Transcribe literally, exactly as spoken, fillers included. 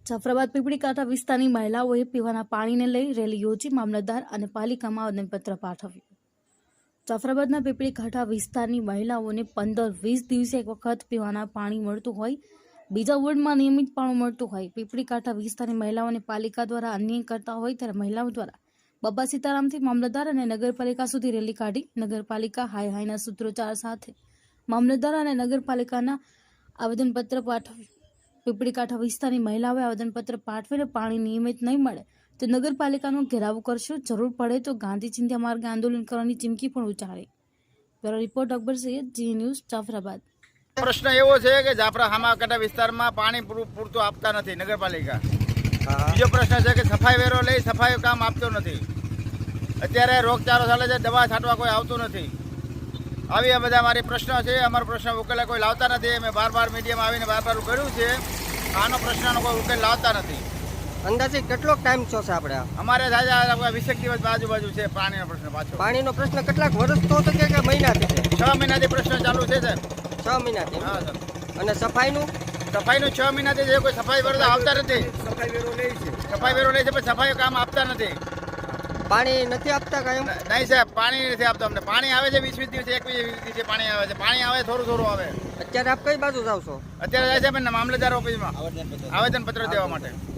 જાફરાબાદ પીપળી કાંઠા વિસ્તારની મહિલાઓએ પીવાના પાણીને લઈ રેલી યોજી મામલતદાર અને પાલિકામાં આવેદનપત્ર પાઠવ્યું. જાફરાબાદના પીપળી કાંઠા વિસ્તારની મહિલાઓને પંદર વીસ દિવસે એક વખત પીવાના પાણી મળતું હોય, બીજા વોર્ડમાં નિયમિત પાણી મળતું હોય. પીપળી કાંઠા વિસ્તારની મહિલાઓને પાલિકા દ્વારા અન્યાય કરતા હોય ત્યારે મહિલાઓ દ્વારા બાબા સીતારામથી મામલતદાર અને નગરપાલિકા સુધી રેલી કાઢી નગરપાલિકા હાય હાયના સૂત્રોચ્ચાર સાથે મામલતદાર અને નગરપાલિકાના આવેદનપત્ર પાઠવ્યું. પીપળી કાંઠા વિસ્તારની મહિલાઓએ આવેદનપત્ર પાઠવીને પાણી નિયમિત નહીં મળે તો નગરપાલિકાનો ઘેરાવ કરશું, જરૂર પડે તો ગાંધી ચિંધ્યા માર્ગે આંદોલન કરવાની ચીમકી પણ ઉચ્ચારી. Bureau report Akbar Sayyed, Zee news, Jafrabad. પ્રશ્ન એવો છે કે જાફરા હામાકાંઠા વિસ્તારમાં પાણી પૂરતું આપતા નથી નગરપાલિકા. બીજો પ્રશ્ન છે કે સફાઈ વેરો લઈ સફાઈ કામ આપતો નથી. અત્યારે રોગચાળો ચાલે છે, દવા છાંટવા કોઈ આવતું નથી. આવી આ બધા મારી પ્રશ્નો છે. અમારો પ્રશ્ન ઉકેલા કોઈ લાવતા નથી. મેં બાર બાર મીડિયામાં આવીને બાર બાર કર્યું છે. આનો પ્રશ્નનો કોઈ ઉકેલ લાવતા નથી. અંદાજે કેટલો ટાઈમ છો છે આપણે? અમારે થાય વીસેક દિવસ આજુબાજુ છે પાણીનો પ્રશ્ન. પાછો પાણીનો પ્રશ્ન કેટલાક વર્ષ તો છે કે મહિનાથી છે? છ મહિનાથી પ્રશ્ન ચાલુ છે સર. છ મહિનાથી. હા સર. અને સફાઈનું? સફાઈનું છ મહિનાથી છે. કોઈ સફાઈ વેરો આવતા નથી. સફાઈ વેરો લે છે. સફાઈ વેરો લે છે પણ સફાઈ કામ આપતા નથી. પાણી નથી આપતા કાયમ? નહીં સાહેબ, પાણી નથી આપતા અમને. પાણી આવે છે વીસ વીસ દિવસે, એકવીસ દિવસે પાણી આવે છે. પાણી આવે થોડું થોડું આવે. અત્યારે આપ કઈ બાજુ જાવ છો? અત્યારે જાય છે મામલતદાર ઓફિસમાં આવેદન પત્ર દેવા માટે.